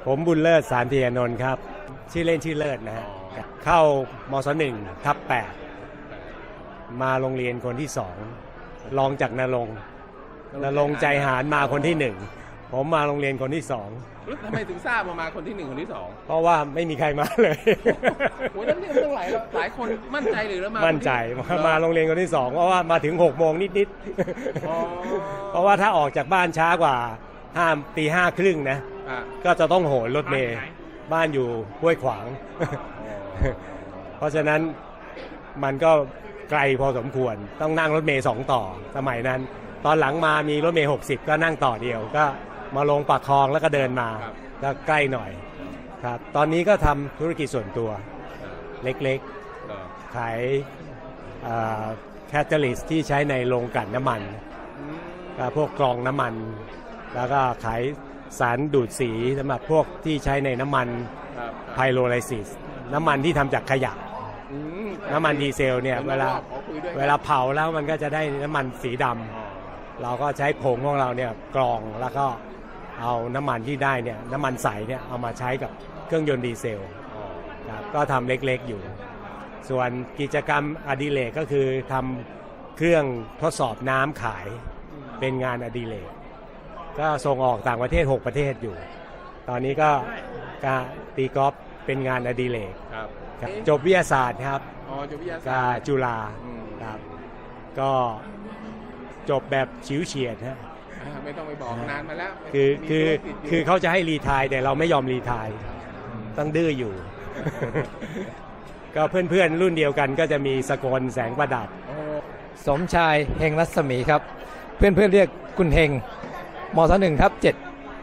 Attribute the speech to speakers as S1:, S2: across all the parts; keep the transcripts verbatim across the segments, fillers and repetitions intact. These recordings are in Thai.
S1: ผมบุญเลิศสารเทียนนท์ครับชื่อเล่นชื่อเลิศนะฮะเข้ามศหนึ่งทับแปดมาโรงเรียนคนที่สองรองจากนรงค์นรงค์ใจหารมาคนที่หนึ่งผมมาโรงเรียนคนที่สอง
S2: ทำไมถึงทราบมามาคนที่หนึ่งคนที่สอง
S1: เพราะว่าไม่มีใครมาเลย
S2: โอ้ยนั่นเนี่ยต้องหลายหลายคนมั่นใจหรือแล้วมา
S1: มั่นใจมาโรงเรียนคนที่สองเพราะว่ามาถึงหกโมงนิดๆเพราะว่าถ้าออกจากบ้านช้ากว่าห้าตีห้าครึ่งนะก็จะต้องโหนรถเมล์บ้านอยู่ห้วยขวางเพราะฉะนั้นมันก็ไกลพอสมควรต้องนั่งรถเมล์สองต่อสมัยนั้นตอนหลังมามีรถเมล์หกสิบก็นั่งต่อเดียวก็มาลงปากคลองแล้วก็เดินมาก็ใกล้หน่อยครับตอนนี้ก็ทำธุรกิจส่วนตัวเล็กๆขายแคตตาลิสต์ที่ใช้ในโรงกลั่นน้ำมันพวกกรองน้ำมันแล้วก็ขายสารดูดสีสำหรับพวกที่ใช้ในน้ำมันไพโรไลซิสน้ำมันที่ทำจากขยะน้ำมันดีเซลเนี่ยเวลาเวลาเผาแล้วมันก็จะได้น้ำมันสีดำเราก็ใช้ผงของเราเนี่ยกรองแล้วก็เอาน้ำมันที่ได้เนี่ยน้ำมันใสเนี่ยเอามาใช้กับเครื่องยนต์ดีเซลครับก็ทำเล็กๆอยู่ส่วนกิจกรรมอดิเรกก็คือทำเครื่องทดสอบน้ำขายเป็นงานอดิเรกก็ส่งออกต่างประเทศหกประเทศอยู่ตอนนี้ก็การตีกอล์ฟเป็นงานอดิเรกจบวิทยาศาสตร์ครับกับจุฬาครับก็จบแบบฉิวเฉียดฮะ
S2: ไม่ต้องไปบอกนานมาแล้ว
S1: คือคือคือเขาจะให้รีไทร์แต่เราไม่ยอมรีไทร์ต้องดื้ออยู่ก็เพื่อนๆรุ่นเดียวกันก็จะมีสกลแสงประดับ
S3: สมชายเฮงรัศมีครับเพื่อนๆเรียกคุณเฮงมศหนึ่งทับเจ็ด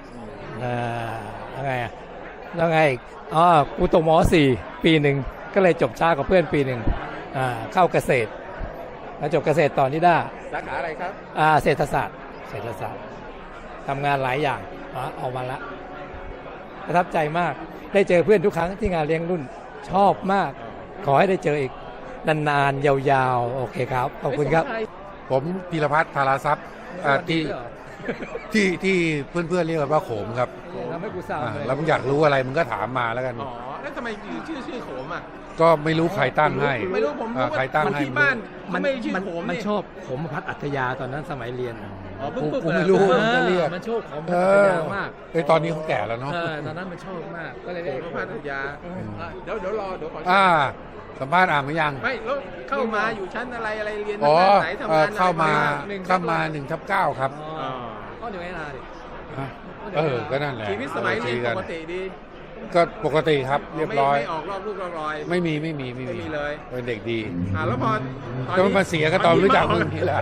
S3: ยังไงอ่ะยังไงอ๋อกูตกมสี่ปีหนึ่งก็เลยจบช้ากว่าเพื่อนปีหนึ่งเข้าเกษตรแล้วจบเกษตรต่อนิด้า
S2: สาขาอะไรครับ
S3: เศรษฐศาสตร์เศรษฐศาสตร์ทำงานหลายอย่างออกมาละประทับใจมากได้เจอเพื่อนทุกครั้งที่งานเลี้ยงรุ่นชอบมากขอให้ได้เจออีกนานๆยาวๆโอเคครับขอบคุณครับ
S4: ผมพีรพัฒน์ธาราทรัพย์ที่ที่ที่เพื่อนๆเรียกว่าโขมครับ
S3: ทำให้กูสาว
S4: แล้วมึงอยากรู้อะไรมึงก็ถามมาแล้วกัน
S2: อ๋อแล้วทำไมชื่อชื่อโขมอ่ะ
S4: ก็ไม่รู้ใครตั้งให้
S2: ไม่รู้ผม
S4: ใครตั้งให้
S2: ที่บ้านมันไม่ชื่อโขม
S3: มันชอบโขมพัฒน์อัธยาตอนนั้นสมัยเรียน
S2: อ๋อปุ๊บ
S4: ผมไม่รู้จะเรียก
S3: มันชอบโขมพัฒน์อัธยามาก
S4: ไอตอนนี้เขาแก่แล้วเนาะ
S3: ตอนนั้นมันชอบมากก็เลยเรียก
S2: พัฒน์อัธยาเดี๋ยวเดี๋ยวรอเดี๋ยวขอ
S4: อ่าสัมภาษณ์อ่านไหมยัง
S2: ไม่แล้วเข้ามาอยู่ชั้นอะไรอะไรเรียนไหนทำ
S4: งานเข้ามาเข้ามาหนึ่งทับเก้าครับ
S3: ก็อยู่ไงล่ะดิ
S4: เออก็นั่นแหละ
S2: ชีวิตสมัยเรียนปกติดี
S4: ก็ปกติครับเรียบร้อย
S2: ไม่ออกรอบลูกรอบรอย
S4: ไม่มีไม่มี
S2: ไม่มีเลย
S4: เป็นเด็กดี
S2: อ่าแล้วพอ
S4: จะมาเสียก็ตอนรู้จักมึงนี่แหละ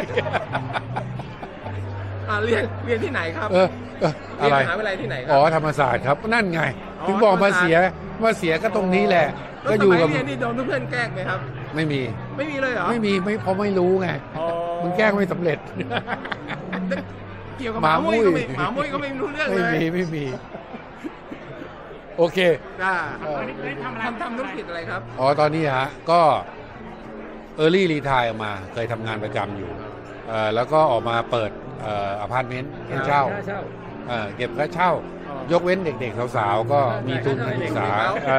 S2: อ่าเรียนเรียนที่ไหนครับ
S4: เอออะไร
S2: มหาวิทยาลัยที่ไหนครับ
S4: อ๋อธรรมศาสตร์ครับนั่นไงถึงบอกมาเสียมาเสียก็ตรงนี้แหละก็อยู่กับ
S2: เรียนนี่โดนเพื่อนแกล้งไหมครับ
S4: ไม่มี
S2: ไม่มีเลยเหรอ
S4: ไม่มีไม่เพราะไม่รู้ไงมึงแกล้งไม่สำเร็จ
S2: เกี่ยวกับหมามุ้ยก็ไม่หมามุ้ยก็ไม่รู้เรื่องเลย
S4: ไม่มีไม่มีโอเค
S2: ทำทำธุรกิจอะไรครับ
S4: อ๋อตอนนี้ฮะก็เออร์ลี่รีไทร์ออกมาเคยทำงานประจำอยู่แล้วก็ออกมาเปิดอพาร์ตเมนต์ให้เช่าเก็บค่าเช่ายกเว้นเด็กๆสาวๆก็มีทุนการศึกษา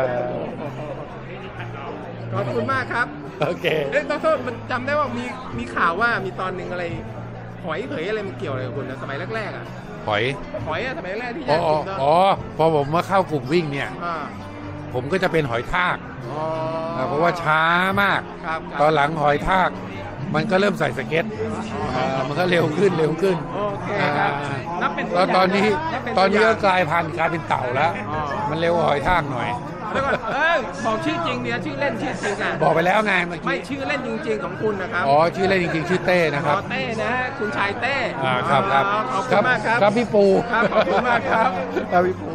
S2: ขอบคุณมากครับ
S4: โอเค
S2: เอ๊ะดร.มันจำได้ว่ามีมีข่าวว่ามีตอนหนึ่งอะไรหอยเผยอะไรมันเกี่ยวอะไรกับคุณนะสมัยแรกๆอ่ะ
S4: หอย
S2: หอยอะสมัยแรกที่
S4: อ๋ออ๋อพอผมมาเข้ากลุ่มวิ่งเนี่ยผมก็จะเป็นหอยทากเพราะว่าช้ามากตอนหลังหอยทากมันก็เริ่มใส่สเก็ตมันก็เร็วขึ้นเร็วขึ้นแล้วตอนนี้ตอนนี้ก็กลายพันธุ์กลายเป็นเต่าแล้วมันเร็วหอยทากหน่อย
S2: แล้วก็เออบอกชื่อจริงเนี่ยชื่อเล่นชื่อจริงอ่ะ
S4: บอกไปแล้วไงเมื่อกี้
S2: ไม่ชื่อเล่นจริงๆของคุณนะครับ
S4: อ๋อชื่อเล่นจริงๆชื่อเต้นะครับ
S2: เต้นะคุณชายเต้
S4: อ่าครับครับ
S2: ขอบคุณมากครับ
S4: ครับพี่ปู
S2: ครับขอบคุณมากครับ
S4: ครับพี่ปู